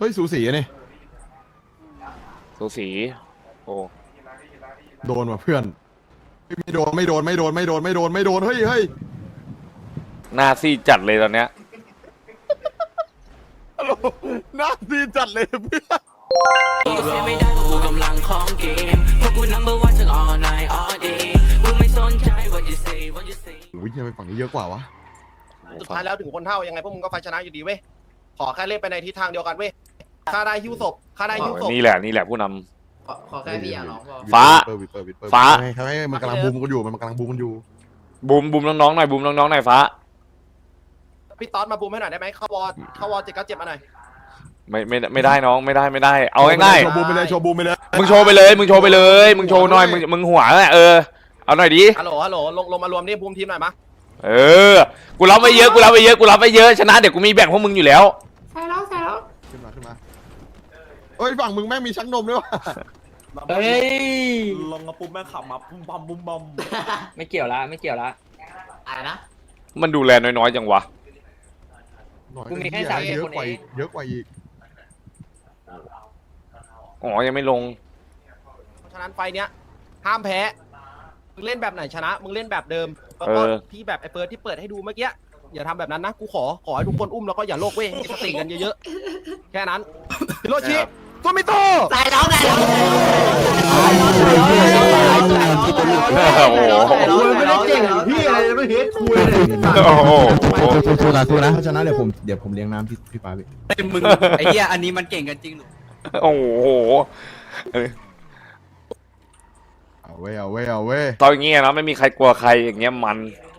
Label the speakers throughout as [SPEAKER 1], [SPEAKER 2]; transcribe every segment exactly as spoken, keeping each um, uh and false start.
[SPEAKER 1] ฮ้ยสูสีอะนี่
[SPEAKER 2] สูสีโอ้
[SPEAKER 1] โดนว่ะเพื่อนไม่โดนไม่โดนไม่โดนไม่โดนไม่โดนไม่โดนเฮ้ยเฮ้ย
[SPEAKER 2] หน้าซีดจัดเลยตอนเนี้ย
[SPEAKER 1] น่าดีจัดเลยเพื่อน
[SPEAKER 3] เสียไม่ได้เพราะกูกำลังของเกมเพราะกู number one ทั้ง all night all day กูไม่สนใจ what you say what you say
[SPEAKER 1] อุ้ยทำไมฝั่งนี้เยอะกว่าวะ
[SPEAKER 4] สุดท้ายแล้วถึงคนเท่ายังไงพวกมึงก็ไฟชนะอยู่ดีเว้ยขอแค่เล่นไปในทิศทางเดียวกันเว้ยค่าได้หิ้วศพค่าได้หิ้วศพ
[SPEAKER 2] นี่แหละนี่แหละผู้น
[SPEAKER 5] ขอขอแค่พี่อย่าร้องพอ
[SPEAKER 2] ฟ้า
[SPEAKER 1] ฟ้า
[SPEAKER 2] ฟ้า
[SPEAKER 1] ทำไมมันกำลังบูมกันอยู่มันกำลังบูมกันอยู่
[SPEAKER 2] ำบูมบูมน้องๆหน่อยบูมน้องๆหน่อยฟ้า
[SPEAKER 4] พี่ต๊อดมาบูมให้หน่อยได้ไหมเข้าวอร์เข้าวอร์เจ็ดเก้าเจ็ดมาหน่อย
[SPEAKER 2] ไม่ไม่ไม่ได้น้องไม่ได้ไม่ได้เอาง่าย
[SPEAKER 1] โชว์บูมไปเลยโชว์บูมไปเลย
[SPEAKER 2] ๆมึงโชว์ไปเลยมึงโชว์ไปเลยมึงโชว์หน่อยมึงมึงหัวแหละเออเอาหน่อยดิ
[SPEAKER 4] ฮัลโหลฮัลโหลลงลงมารวมนี่บูมทีมหน่อยมะ
[SPEAKER 2] เออกูรับไปเยอะกูรับไปเยอะกูรับไปเยอะชนะเดี๋ยวกูมีแบ่งพวกมึงอยู่แล้ว
[SPEAKER 5] ใส่แล้วใส่แล้ว
[SPEAKER 1] ขึ้นมาขึ้นมาเฮ้ยฝั่งมึงแม่งมีชักนมด้วยวะ
[SPEAKER 5] เฮ้ย
[SPEAKER 6] ลงมาปุ๊บแม่งขับมาปุ้มบัมปุ้มบัม
[SPEAKER 5] ไม่เกี่ยวละไม่เกี่ยวละอะไรนะ
[SPEAKER 2] มันดูแลน้อยๆจังวะ
[SPEAKER 5] กูมีแค่สามสิบ
[SPEAKER 1] เยอะ
[SPEAKER 5] คน
[SPEAKER 1] กว่า
[SPEAKER 5] เอ
[SPEAKER 1] อี
[SPEAKER 5] ง
[SPEAKER 1] กเยอะกว่าอีก
[SPEAKER 2] อ๋อยังไม่ลง
[SPEAKER 4] เพราะฉะนั้นไฟเนี้ยห้ามแพ้มึงเล่นแบบไหนชนะมึงเล่นแบบเดิมแล้วก็ที่แบบไอ้เปิดที่เปิดให้ดูเมื่อกี้อย่าทำแบบนั้นนะกูขอขอให้ทุกคนอุ้มแล้วก็อย่าโลกเว้ยมีสติกันเยอะๆแค่นั้นฮิโรชิโตมิโต
[SPEAKER 5] ใส่แล้วใส่แล้ว
[SPEAKER 2] โอ้โห
[SPEAKER 5] ไม่ได้เก่งพี่อะไรไม่เห็นคุยเลย
[SPEAKER 2] โอ้โห
[SPEAKER 1] สู้ๆนะสู้นะถ้าชนะเดี๋ยวผมเดี๋ยวผมเลี้ยงน้ำพี่พี่ปาพี่
[SPEAKER 7] มึงไอ้เหี้ยอันนี้มันเก่งกันจริงหรือ
[SPEAKER 2] โอ้โห
[SPEAKER 1] เอาเว้ยเอาเว้ยเอาเว้ย
[SPEAKER 2] ตอนเงี้ยนะไม่มีใครกลัวใครอย่างเงี้ยมัน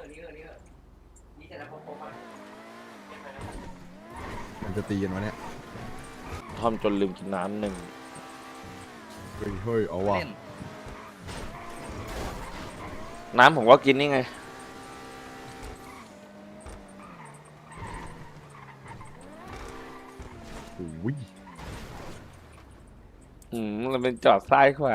[SPEAKER 1] มันจะตีกันวะเนี่ย
[SPEAKER 2] ทอมจนลืมกินน้ำหนึ่ง
[SPEAKER 1] เฮ้ยเฮ้ยเอาว่ะ
[SPEAKER 7] เล่น
[SPEAKER 2] น้ำผมก็กินนี่ไง
[SPEAKER 1] โอ้ย
[SPEAKER 2] อืมมันเป็นจอดซ้ายขวา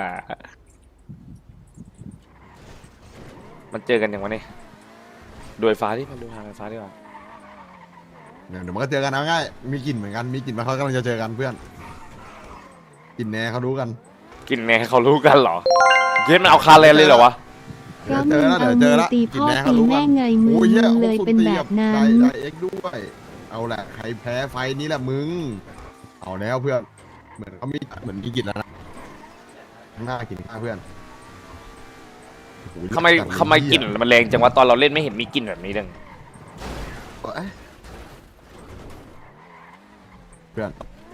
[SPEAKER 2] มันเจอกันอย่างวะนี่โดยฟ้าที่มันดูทางไฟฟ้าดีกว่า
[SPEAKER 1] เดี๋ยวเดี๋ยวมันก็เจอกันเอาง่ายมีกลิ่นเหมือนกันมีกลิ่นมาเขากำลังจะเจอกันเพื่อนกลิ่นแน่เขารู้กัน
[SPEAKER 2] กินแน่เขารู้กันเหรอเย็นมันเอาคาแรนเลยเหรอวะ
[SPEAKER 8] ก็มึงเอามือตีพ่อตีแม่ไงมึง
[SPEAKER 1] โอ้ย
[SPEAKER 8] มึ
[SPEAKER 1] เหี้ย
[SPEAKER 8] งเลยเป็นแบบนั้
[SPEAKER 1] ได้
[SPEAKER 8] น
[SPEAKER 1] ได้เอ็กซ์ด้วย เอาแหละใครแพ้ไฟนี้แหละมึง เอาแล้วเพื่อน เหมือนเขามีเหมือนมีกลิ่นแล้วนะข้างหน้ากลิ่นข้างเพื่อนโอ้โห
[SPEAKER 2] ทำไมทำไมกลิ่นมันแรงจังวะตอนเราเล่นไม่เห็นมีกลิ่นแบบนี้เลย
[SPEAKER 1] เอ้ยเพื่อน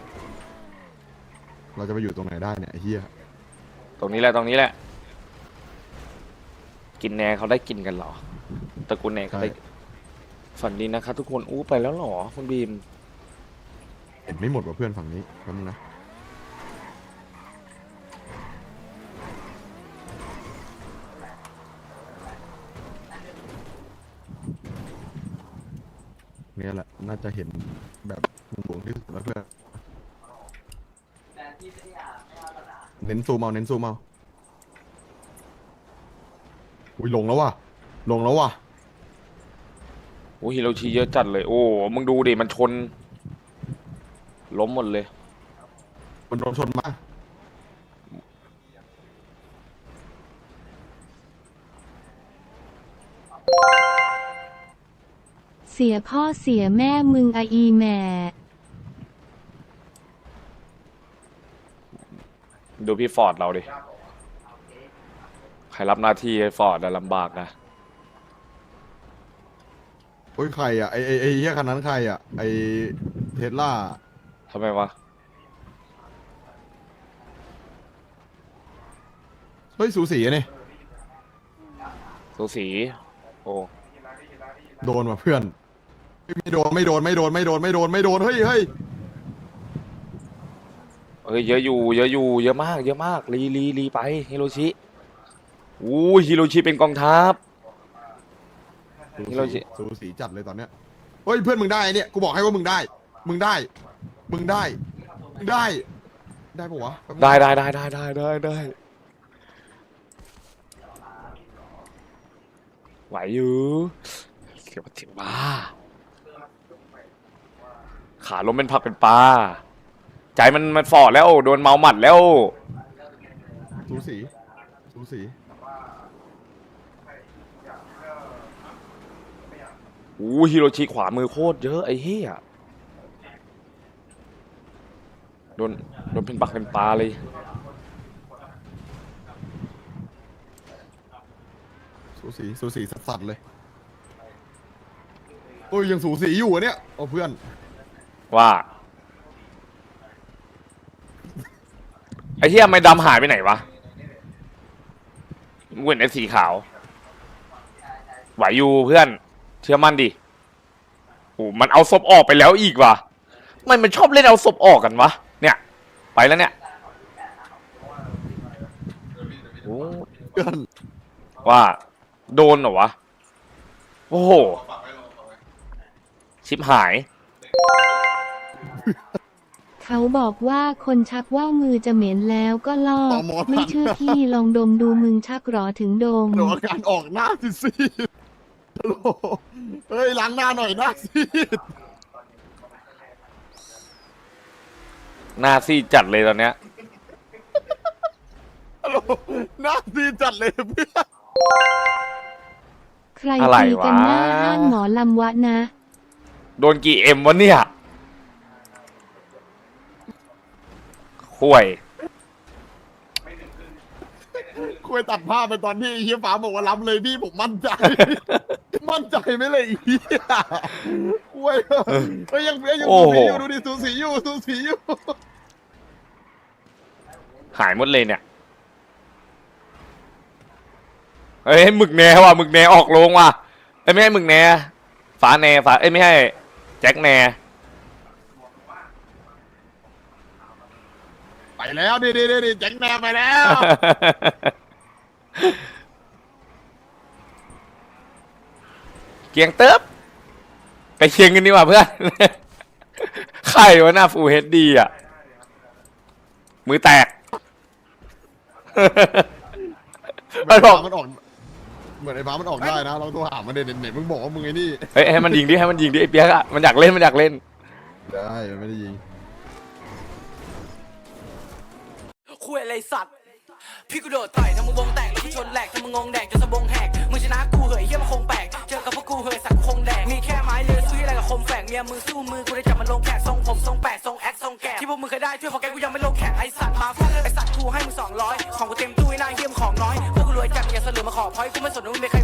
[SPEAKER 1] เราจะไปอยู่ตรงไหนได้เนี่ยไอ้เฮีย
[SPEAKER 2] ตรงนี้แหละตรงนี้แหละ กินแน่เขาได้กินกันเหรอตระกูลแน่เขาได้ฝันดีนะครับทุกคนอู้ไปแล้วเหรอคุณบีม
[SPEAKER 1] เห็นไม่หมดว่ะเพื่อนฝั่งนี้แป๊บนึงนะเนี่ยแหละน่าจะเห็นแบบหลวงที่สุดแล้วเพื่อนเน้นซูมเอาเน้นซูมเอาอุ้ยลงแล้วว่ะลงแล้วว่ะ
[SPEAKER 2] โอ้ฮิโรชิเยอะจัดเลย โอ้ มึงดูดิ มันชน ล้มหมดเลย
[SPEAKER 1] มันโดนชนมา
[SPEAKER 8] เสียพ่อเสียแม่มึงอะอีแม่
[SPEAKER 2] ดูพี่ฟอร์ดเราดิ ใครรับหน้าที่ให้ฟอร์ดอะลำบากนะ
[SPEAKER 1] โอ้ยใครอ่ะไอไอไอเฮียคันนั้นใครอ่ะไอเทสลา
[SPEAKER 2] ทำไมวะ
[SPEAKER 1] เฮ้ยสูสีอะนี่
[SPEAKER 2] สูสี โอ้
[SPEAKER 1] โดนว่ะเพื่อนไม่โดนไม่โดนไม่โดนไม่โดนไม่โดนไม่โดนเฮ้ยเฮ้ย
[SPEAKER 2] เฮ้ย เยอะอยู่ เยอะอยู่ เยอะมาก เยอะมาก รีรีรีไป ฮิโรชิ อู้ฮิโรชิเป็นกองทัพ ฮิโรชิ
[SPEAKER 1] สูสีจัดเลยตอนเนี้ยเฮ้ยเพื่อนมึงได้เนี่ยกูบอกให้ว่ามึงได้ มึงได้ มึงได้มึงได้ ได้ปะวะ
[SPEAKER 2] ได้ได้ได้ได้ได้ได้ได้ไหวอยู่เสียวถึงบ้าขาล้มเป็นผักเป็นปลาใจมันมันฟอดแล้วโดนเมาหมัดแล้ว
[SPEAKER 1] สูสีสูสี
[SPEAKER 2] อู้ฮิโรชิขวามือโคตรเยอะไอ้เหี้ยโดนโดนเป็นปักเป็นปลาเลย
[SPEAKER 1] สูสีสูสีสัสๆเลยโอ้ยยังสูสีอยู่อะเนี่ยโอ้เพื่อน
[SPEAKER 2] ว่าไอ้เหี้ยไม่ดำหายไปไหนวะมึงเห็นไอ้สีขาวไหวอยู่เพื่อนเชื่อมั่นดิโอ้มันเอาศพออกไปแล้วอีกว่ะมันมันชอบเล่นเอาศพออกกันวะเนี่ยไปแล้วเนี่ยโอ้
[SPEAKER 1] เพื่อน
[SPEAKER 2] ว่าโดนเหรอวะโอ้โหชิบหาย
[SPEAKER 8] เขาบอกว่าคนชักว่าวมือจะเหม็นแล้วก็ลอก
[SPEAKER 1] ต่อหมอ
[SPEAKER 8] ไม่
[SPEAKER 1] ทัน
[SPEAKER 8] เชื่อพี่ลองดมดูมึงชักหรอถึงดม
[SPEAKER 1] เดี๋ยวอาการออกหน้าซีดๆฮัลโหลเฮ้ยล้างหน้าหน่อยหน้าซีด
[SPEAKER 2] หน้าซีดจัดเลยตอนเนี้ย
[SPEAKER 1] ฮัลโหลหน้าซีดจัดเลยเพื่อน
[SPEAKER 8] ใคร
[SPEAKER 2] อะไร
[SPEAKER 8] ตีกันหน้าว
[SPEAKER 2] ะ
[SPEAKER 8] ห้างหมอลำวะนะ
[SPEAKER 2] โดนกี่เอ็มวะเนี่ยห่วย
[SPEAKER 1] คุยตัดภาพไปตอนที่ไอ้เฮียฟ้าบอกว่าล้ำเลยพี่ผมมั่นใจ มั่นใจไหมเลยไอ้เฮียคุยเฮ้ยยังยัง
[SPEAKER 2] โอ้
[SPEAKER 1] สู
[SPEAKER 2] โห
[SPEAKER 1] สีอยู่ดูดิสูสีอยู่สูสีอยู่
[SPEAKER 2] หายหมดเลยเนี่ยเอ้ยหมึกแหนว่ะหมึกแหนออกโรงว่ะเอ้ยไม่ให้หมึกแหนฝาแหนฝาเอ้ยไม่ให้แจ็คแหน
[SPEAKER 1] ไปแล้วดิดิดิดิแจ็คแนมไปแล้ว
[SPEAKER 2] เกียงเติบไปเคียงกันดีกว่าเพื่อน ใครวะหน้าฟูเฮดดีอ่ะมือแตก มันบอก
[SPEAKER 1] มันออกเหมือนไอ้ฟ้ามันออกได้นะเราตัวหามันเด่นเด่นมึงบอกว่ามึงไอ้นี่
[SPEAKER 2] เฮ้ยให้มันยิงดิให้มันยิงดิไอ้เปียกอะมันอยากเล่นมันอยากเล่น
[SPEAKER 1] ได้มันไม่ได้ยิง
[SPEAKER 3] คุยอะไรสัตว์พี่กูโดดต่อยทำมึงวงแตกแล้วกูชนแหลกทำมึงงงแดกจนสะบงแหกมึงชนะกูเหยเฮียมันคงแปลกเจอกับพวกกูเหยสักคงแดกมีแค่ไม้เลือซื้ออะไรกับคมแฝกเมียมึงสู้มือกูได้จับมันลงแขกทรงผมทรงแปดทรงแอคทรงแกะที่พวกมึงเคยได้ช่วยพอแกกูยังไม่ลงแขกไอสัตว์มาฟังไอสัตว์กูให้มึงสองร้อยของกูเต็มตู้ไอ้นายเฮียมของน้อยพวกกูรวยจัดอย่าเสลือมาขอพอยกูไม่สนว่ามึงเป็นใคร